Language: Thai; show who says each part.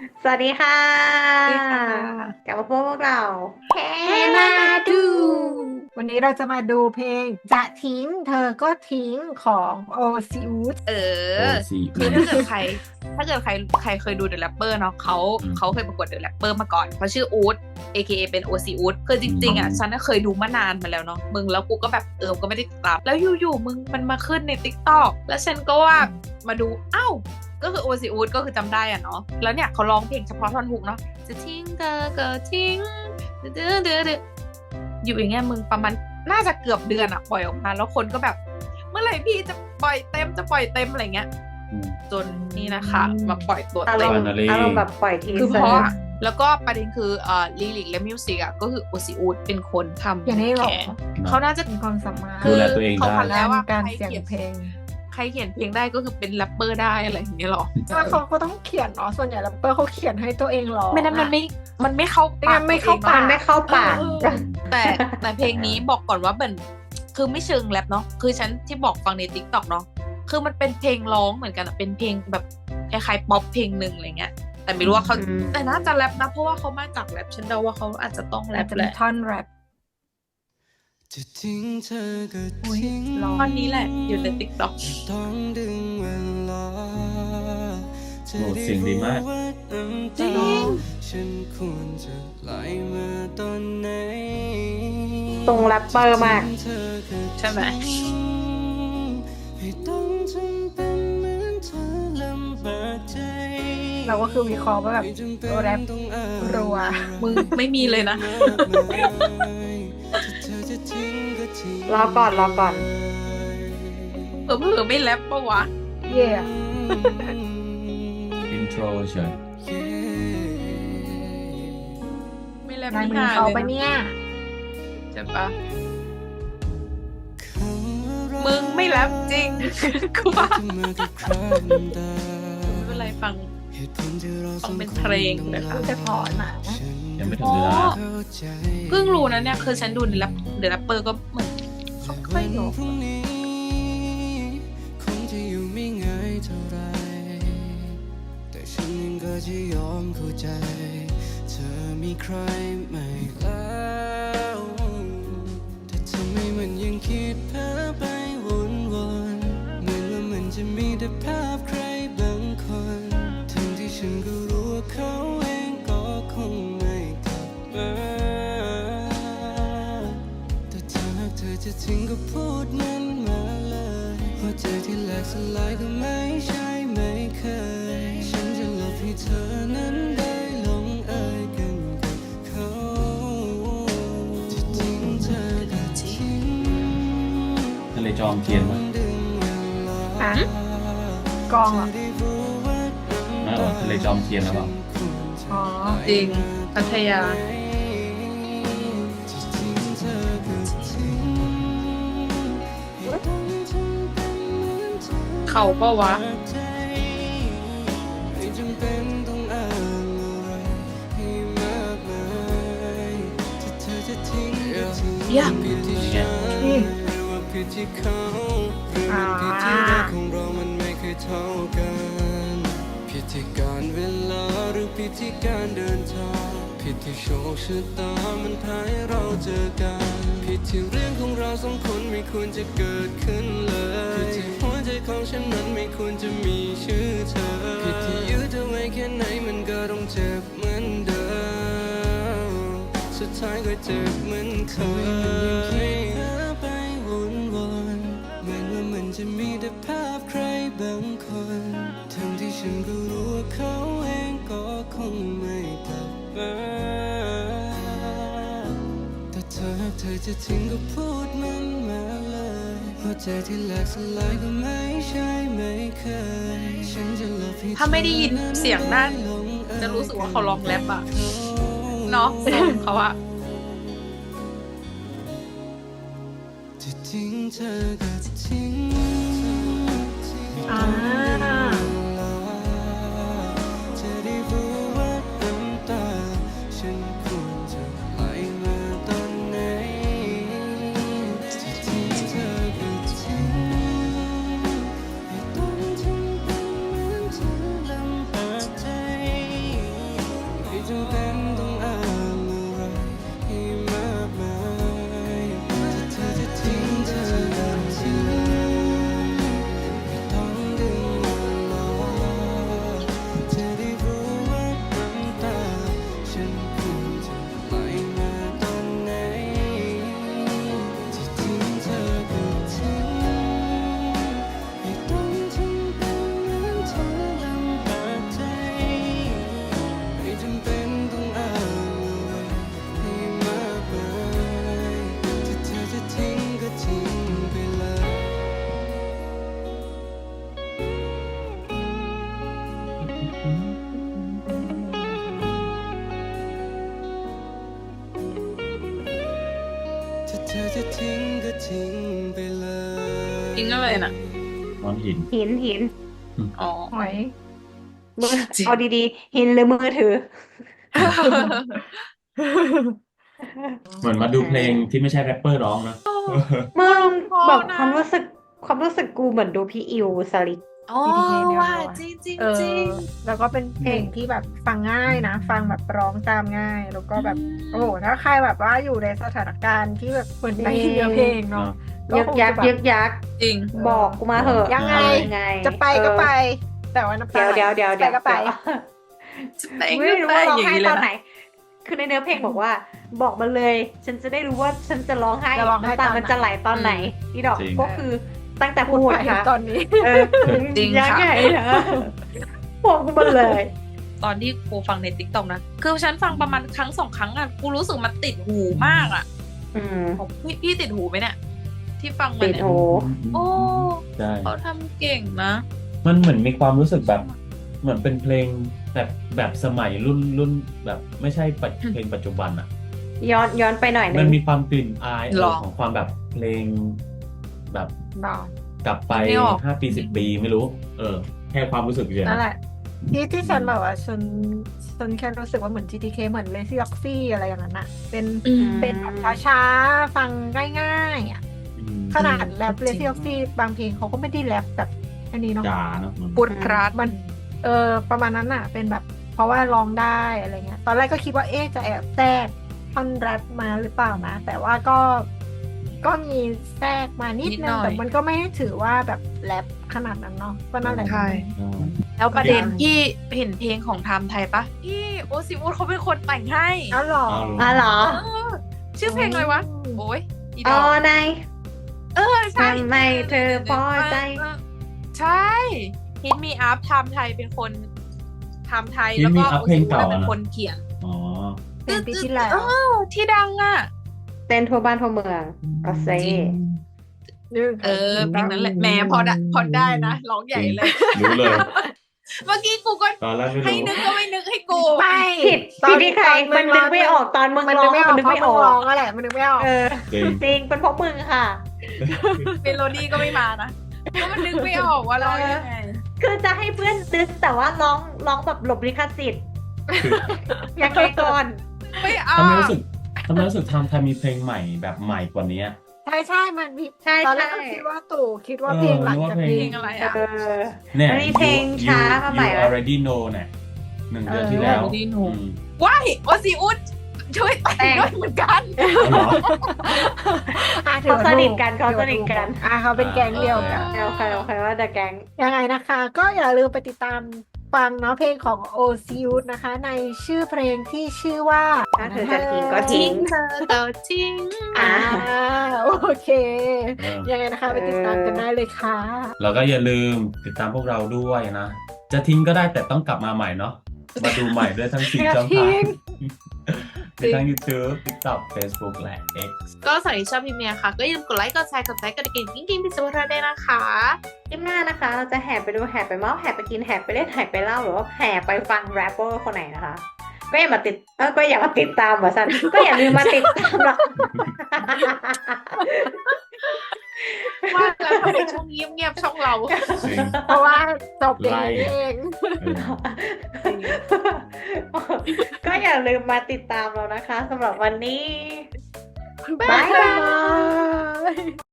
Speaker 1: สวัสดีค่ะ
Speaker 2: สวัสดีค่ะ
Speaker 1: กลับมาพบพวกเราเฮ
Speaker 2: เฮ
Speaker 1: มา
Speaker 2: มา
Speaker 1: ดู
Speaker 2: ดูวันนี้เราจะมาดูเพลงจะทิ้งเธอก็ทิ้งของโอซิอุส
Speaker 3: เอ
Speaker 4: โอ
Speaker 3: อ
Speaker 4: ซี
Speaker 3: คือถ้าเกิดใครเคยดู The Rapper เนาะเขาเคยประกวด The Rapper มาก่อนเขาชื่ออู๊ด AKA เป็น OC อู๊ดคือจริงๆอ่ะฉันน่ะเคยดูมานานมาแล้วเนาะมึงแล้วกูก็แบบก็ไม่ได้ติดตามแล้วอยู่ๆมึงมันมาขึ้นใน TikTok แล้วฉันก็ว่ามาดูอ้าวก็คือ OC อู๊ดก็คือจำได้อ่ะเนาะแล้วเนี่ยเขาร้องเพลงเฉพาะท่อนฮุกเนาะจะทิ้งเธอก็ทิ้งเดือดเดืออยู่อย่างเงี้ยมึงประมาณน่าจะเกือบเดือนอะปล่อยออกมาแล้วคนก็แบบ เมื่อไหร่พี่จะปล่อยเต็มอะไรเงี้ยจนนี่นะคะมาปล่อยตัว
Speaker 1: อา
Speaker 3: เต็ม
Speaker 1: รมณ์อารมณ์แบบปล่อยที
Speaker 3: คือ
Speaker 1: เซอ
Speaker 3: เพราะ
Speaker 1: ร์
Speaker 3: แล้วก็ประเด็นคือลิลิกและมิวสิกก็คือโอซิอูดเป็นคนทำ
Speaker 2: อย่างนี้หรอ
Speaker 3: แขเขาน่าจะ
Speaker 2: มีความสามารถ
Speaker 4: ดูแลตัวเอง
Speaker 3: เขา
Speaker 4: ได้
Speaker 3: พันแล้วว่า
Speaker 2: การเสียงเพลง
Speaker 3: ใครเขียนเพลงได้ก็คือเป็นแรปเปอร์ได้อะไรอย่างเงี้ยหรอ
Speaker 2: แล้วเขาก็ต้องเขียนเนาะส่วนใหญ่แรปเปอร์เขาเขียนให้ตัวเองหรอ
Speaker 3: ไม่นั้นมันไม่เข้าปาก
Speaker 2: ไม่เข้าปาก
Speaker 1: มันไม่เข้าปาก
Speaker 3: แต่เพลงนี้บอกก่อนว่าเป็นคือไม่เชิงแรปเนาะคือฉันที่บอกฟังในติ๊กต็อกเนาะคือมันเป็นเพลงร้องเหมือนกันอะเป็นเพลงแบบคล้ายๆป๊อปเพลงหนึ่งอะไรเงี้ยแต่ไม่รู้ว่าเขาแต่น่าจะแรปนะเพราะว่าเขามาจากแรปฉันเดาว่าเขาอาจจะต้องแร
Speaker 2: อาจ
Speaker 3: ป
Speaker 2: จะ
Speaker 3: แห
Speaker 2: มี
Speaker 3: ละ
Speaker 2: ท่อนแรป
Speaker 5: จะทิ้งเธอก็
Speaker 2: อุ๊ย
Speaker 5: ทิ้ง
Speaker 2: ร้อง
Speaker 3: ตอนนี้แหละอยู่ในติ๊กต็อก
Speaker 5: ต้องดึงเวลา
Speaker 4: โอ้เสียงดีมาก
Speaker 3: จริง
Speaker 5: ฉันควรจะไหลมาตอนไหน
Speaker 1: ตรงแรปเปอร์มาก
Speaker 5: เธอก็
Speaker 3: ใช่ไหม
Speaker 5: ให้ต้องทำเป็นเหมือนเธอลำบากใจ
Speaker 2: เราก็คือวิเคราะห์ว่าแบบแรปรัว
Speaker 3: มึงไม่มีเลยนะ
Speaker 1: รอก่อน
Speaker 3: เผลอๆไม่แรปปะวะ
Speaker 2: เย่
Speaker 4: อินโทรเฉย
Speaker 3: ไม่แรป
Speaker 2: งาน
Speaker 3: ไม่
Speaker 2: มือ
Speaker 3: หา
Speaker 2: เขา
Speaker 3: เลย
Speaker 2: ปะเนี่ย
Speaker 3: ใช่ปะมึงไม่แรปจริง กูว่าไม่เป็นไรฟังเป็นเพลงเลยค่ะ
Speaker 2: จะพอหนา
Speaker 4: ยังไม่ถึงเวลา
Speaker 3: เพิ่งรู้นะเนี่ยคือฉันดูในแรปเดอะแรปเปอร์ก็เหมือนเขาค่อยร้อง
Speaker 5: พรุ่งนี้คงจะอยู่ไม่ง่ายเท่าไร แต่ฉันเองก็จะยอมเข้าใจ เธอมีใครใหม่แล้วแต่ทำไมมันยังคิดเพ้อไปวนๆเหมือนว่ามันจะมีแต่ภาพใครบางคนทั้งที่ฉันก็รู้ว่าเขาเองก็คงไม่กลับมา แต่ถ้าหากเธอจะทิ้งก็พูดมันมาเลยหัวใจที่แหลกสลายก็ไม่ใช่ไม่เคย ฉันจะหลบให้เธอนั้นได้ลงเอยกันกับเขาจะทิ้งเธอก็ทิ้ง
Speaker 4: ทะเลจอมเทียนวะ
Speaker 5: ดึงเวลา
Speaker 2: อ่ะกองเหรอ
Speaker 5: จะได้รู้ว่าน้ำ
Speaker 4: ไม่หรอทะเลจอมเทียนแล้วเปล่า
Speaker 5: ควรจะ
Speaker 2: อ๋อ
Speaker 3: จริงพัทยา
Speaker 5: จะทิ้งเธอก็ทิ้งให้ต้องทำเป็นเหมือนเธอ
Speaker 3: เขาปะวะ
Speaker 5: ไม่จำเป็นต้องอ้างอะไรให้มากมายถ้าเธอจะทิ้งก็ทิ้ง
Speaker 3: Yeah
Speaker 5: ผิดที่ฉันหรือว่าผิดที่เขาหรือมันผิดที่รักของเรามันไม่เคยเท่ากันผิดที่การเวลาหรือผิดที่การเดินทางผิดที่โชคชะตามันพาให้เราเจอกันผิดที่เรื่องของเราสองคนไม่ควรจะเกิดขึ้นเลยผิดที่หัวใจของฉันนั้นไม่ควรจะมีชื่อเธอผิดที่ยืดเธอไว้แค่ไหนมันก็ต้องเจ็บเหมือนเดิมสุดท้ายก็เจ็บเหมือนเคยไปวนๆเหมือนว่ามันจะมีแต่ภาพใครบางคนทั้งที่ฉันก็รู้ว่าเขาเองก็คงไม่กลับมาแต่ถ้าหากเธอจะทิ้งก็พูดมันมาเลยหัวใจที่แหลกสลายก็ไม่ใช่ไม่เคยฉันจะหลบให้เธอ
Speaker 3: ถ้าไม่ได้ยินเสียงนั่นจะรู้สึกว่าเขาร้องแรปอะเนาะทรงเขาอะ
Speaker 5: จะทิ้งเธอก็ทิ้ง
Speaker 2: อ่า
Speaker 5: จะได้รู้ว่าน้ำตาฉันควรจะไหลมาตอนไหนจะทิ้งเธอก็ทิ้งให้ต้องทำเป็นเหมือนเธอลำบากใจจะทิ้งก็ทิ้งไปเลย
Speaker 3: ทิ้งอะไรน่ะ
Speaker 4: นอนหิน
Speaker 1: หิน
Speaker 3: อ๋อ
Speaker 2: หอย
Speaker 1: มือ
Speaker 3: จริง
Speaker 1: เอาดีๆ หินหรือมือถือ
Speaker 4: เหมือนมาดูเพลงที่ไม่ใช่แรปเปอร์ร้องนะ
Speaker 1: มึง
Speaker 3: เพราะ
Speaker 1: แบบ
Speaker 3: นะ
Speaker 1: ความรู้สึกกูเหมือนดูพี่อิวสลิก
Speaker 3: อ๋อ
Speaker 2: BTK แนว
Speaker 3: ว่า
Speaker 2: ร้อน
Speaker 3: จริงจริง
Speaker 2: เอ
Speaker 3: จริ
Speaker 2: อง แล้วก็เป็นเพลงที่แบบฟังง่ายนะ ฟังแบบร้องตามง่าย แล้วก็แบบ โอ้โหถ้าใครแบบว่าอยู่ในสถานการณ์ที่แบบเหมือนในเนื้อเพลงเนาะ
Speaker 1: ยึกยัก
Speaker 2: คง
Speaker 1: ยึ
Speaker 2: จะ
Speaker 1: ก
Speaker 2: แบบ
Speaker 1: ยัก
Speaker 3: จริง
Speaker 1: บอกกูมาเหอะ
Speaker 2: ยังไง
Speaker 1: ยังไง
Speaker 2: จะไปก็ไป แต่ว่าน้ำตา
Speaker 1: เดี๋ยว
Speaker 2: ไปก็ไป
Speaker 1: ไม่รู้
Speaker 3: ไป
Speaker 1: ว่าร้อง
Speaker 3: อย่าง
Speaker 1: ไห้
Speaker 3: นี้เล
Speaker 1: ต
Speaker 3: ย
Speaker 1: อนไหน
Speaker 3: นะ
Speaker 1: คือในเนื้อเพลงบอกว่า บอกมาเลย ฉันจะได้รู้ว่าฉันจะร้องไห้
Speaker 2: จะร้องไห้
Speaker 1: น้ำตา
Speaker 2: ตอนไหน
Speaker 1: มันจะไหลตอนไหนอีดอก
Speaker 4: จริง
Speaker 1: ก็คือตั้งแต่
Speaker 2: พู
Speaker 1: พู
Speaker 2: ด
Speaker 1: ด
Speaker 2: ไป
Speaker 1: ค่ะ
Speaker 2: ตอนนี้
Speaker 1: เออ
Speaker 3: จริง
Speaker 1: ยัง
Speaker 3: ค่ะ
Speaker 1: ไงนะบอกกูมาเลย
Speaker 3: ตอนที่กูฟังในติ๊กต็อกนะ คือฉันฟังประมาณครั้งสองครั้งอ่ะ กูรู้สึกมันติดหูมากอ่ะ
Speaker 1: อืม
Speaker 3: ของพี่ติดหูไหมเนี่ย ที่ฟังมา
Speaker 1: ติด
Speaker 3: เนี่ย
Speaker 1: หู
Speaker 3: โอ้
Speaker 4: ใช่
Speaker 3: เขาทำเก่งนะ
Speaker 4: มันเหมือนมีความรู้สึกแบบ เหมือนเป็นเพลงแบบสมัยรุ่นแบบไม่ใช่เพลงปัจจุบันอ่ะ
Speaker 1: ย้อนไปหน่อยนึ
Speaker 4: มัน
Speaker 1: ง
Speaker 4: มีความกลิ่นอาย
Speaker 3: หรอ
Speaker 4: ของความแบบเพลงแบบ
Speaker 2: บอก
Speaker 4: กลับไป
Speaker 3: ไม่ออก
Speaker 4: 5 ปี 10 ปีไม่รู้ แค่ความรู้สึกเฉย
Speaker 2: นั่น
Speaker 4: ๆ
Speaker 2: แหละ ที่ฉันแบบว่าฉันแค่รู้สึกว่าเหมือน GTK เหมือน Lazy Oxy อะไรอย่างนั้นอะเป็นแบบช้าๆ ฟังง่ายๆอะขนาดแรป Lazy Oxy บางเพลงเขาก็ไม่ได้แรปแบบอันนี้เนาะ
Speaker 4: จ๋าเนอะ
Speaker 3: ปุดพรัด
Speaker 2: มันประมาณนั้นอะเป็นแบบเพราะว่าร้องได้อะไรเงี้ย ตอนแรกก็คิดว่าจะแอบแทรกท่อนแรปมาหรือเปล่านะ แต่ว่าก็มีแทรกมานิด
Speaker 3: นิด
Speaker 2: นึ
Speaker 3: หน่
Speaker 2: ง
Speaker 3: อย
Speaker 2: แต่มันก็ไม่ได้ถือว่าแบบแรปขนาดนั้นเนาะก็นั่นแหละ
Speaker 3: ใช่ แล้วประเด็นที่เห็นเพลงของไทม์ไทยปะพี่โอซิมูดเขาเป็นคนแต่งให้
Speaker 2: อ้าวเหรอ
Speaker 1: อ๋อเหรอ
Speaker 3: เออชื่อเพลงอะไรวะ โอ้ยอีด
Speaker 1: อ๋อ
Speaker 3: อก
Speaker 1: นาย
Speaker 3: ใช่
Speaker 1: ทำไมเธอพอใจ
Speaker 3: ใช่ฮิตมีอัพไทม์ไทยเป็นคนไทม์ไทย
Speaker 4: Hit
Speaker 3: แล้ว
Speaker 4: Me
Speaker 3: ก็
Speaker 4: Up
Speaker 3: โอ
Speaker 4: เพล
Speaker 3: ซิ
Speaker 4: ง
Speaker 3: มูด
Speaker 4: เก่า
Speaker 3: เป็น
Speaker 4: อะนะ
Speaker 3: คนเขียน
Speaker 4: อ๋อ
Speaker 2: เป็นปีที่แล้ว
Speaker 3: ที่ดังอ่ะ
Speaker 1: เต้นทั่วบ้านทั่วเมืองก็เซ่
Speaker 3: เพลงนั้นแหละแหมพอได้นะร้องใหญ่เลย
Speaker 4: รู้เลย
Speaker 3: เมื่อกี้กูก็
Speaker 4: ตอนแรกไม่
Speaker 3: ให้
Speaker 4: รู้
Speaker 3: นึกก็ไม่นึกให้กู
Speaker 2: ไม่
Speaker 1: ผิดที่ใครมันนึกไม่ออกตอนมึง
Speaker 2: มัน
Speaker 1: ร้
Speaker 2: นึ
Speaker 1: อก ง
Speaker 2: ไม่อ
Speaker 1: มั
Speaker 2: อน ก
Speaker 1: นึก
Speaker 2: เพราะ
Speaker 1: ไม่
Speaker 2: มึ
Speaker 1: อง อ
Speaker 2: ร้
Speaker 1: ก
Speaker 2: องอะไรมันนึกไม่ออก
Speaker 1: เออ
Speaker 4: จริง
Speaker 1: จริงเป็นเพราะมึงค่ะ
Speaker 3: เมโลดี้ก็ไม่มานะเพราะมันนึกไม่ออกว่าร้องยังไง
Speaker 1: คือจะให้เพื่อนนึกแต่ว่าร้องแบบหลบลิขสิทธิ์ยังไงก่อน
Speaker 3: ไม่เอา
Speaker 4: ทำไมรู้สึกทำไทยมีเพลงใหม่แบบใหม่กว่านี้
Speaker 2: ใช่มันมี
Speaker 1: ใช่
Speaker 2: ตอนแรก
Speaker 1: ใช่
Speaker 2: ก็คิดว่าตู่คิดว่าเพลงหลังจาก
Speaker 3: เพ
Speaker 2: เพ
Speaker 3: ล
Speaker 2: ล
Speaker 3: ง
Speaker 2: ง
Speaker 3: อะไร
Speaker 1: เอ
Speaker 3: อ่ะ
Speaker 1: อ
Speaker 4: เนี่ย
Speaker 1: มันมีเพลงช้ามาใหม่
Speaker 4: You
Speaker 1: แล้ว
Speaker 4: already know เนี่ย1 เดือนที่แล้ว
Speaker 3: already know
Speaker 4: อืม
Speaker 3: ว้ายโอซิอุดช่วยแต่งด้วยเหมือนกัน
Speaker 4: เอาเหรอ
Speaker 1: เขาสนิทกันเขาสนิทกัน
Speaker 2: เขาเป็นแก๊งเดียวกัน
Speaker 1: โอเคว่าแต่แก๊ง
Speaker 2: ยังไงนะคะ ก็อย่าลืมไปติดตามฟังเนาะเพลงของโอซิอุสนะคะ ในชื่อเพลงที่ชื่อว่า
Speaker 1: ถ้าเธอจะทิ้งก็ทิ้
Speaker 3: ทิ้งเธอก็ทิ้ง
Speaker 2: อ่าโอเค
Speaker 4: เออ
Speaker 2: ยังไงนะคะ ไปติดตามกันได้เลยค่ะ
Speaker 4: แล้วก็อย่าลืมติดตามพวกเราด้วยนะ จะทิ้งก็ได้แต่ต้องกลับมาใหม่เนาะ มาดูใหม่ด้วยทั้ง4 ช่องทางมีทั้ง YouTube TikTok Facebook และ X
Speaker 3: ก็สำหรับที่ชอบพิมพ์เนี่ยค่ะ ก็อย่าลืมกดไลค์กดแชร์กดไลค์กดกระดิ่งกิ๊งๆพิซซ่าได้นะคะ
Speaker 1: คลิปหน้านะคะ เราจะแห่ไปดูแห่ไปเมาส์แห่ไปกินแห่ไปเล่นแห่ไปเล่าหรือว่าแห่ไปฟังแรปเปอร์คนไหนนะคะ ก็อย่ามาติดตามว่าสันก็อย่าลืมมาติดตามเรา
Speaker 3: ว่าแล้วทำไมช่องเงียบๆช่องเรา
Speaker 4: จริง
Speaker 2: เพราะว่าจบอย่างนี้เอง
Speaker 1: ก็อย่าลืมมาติดตามเรานะคะสำหรับวันนี้
Speaker 2: บ๊ายบาย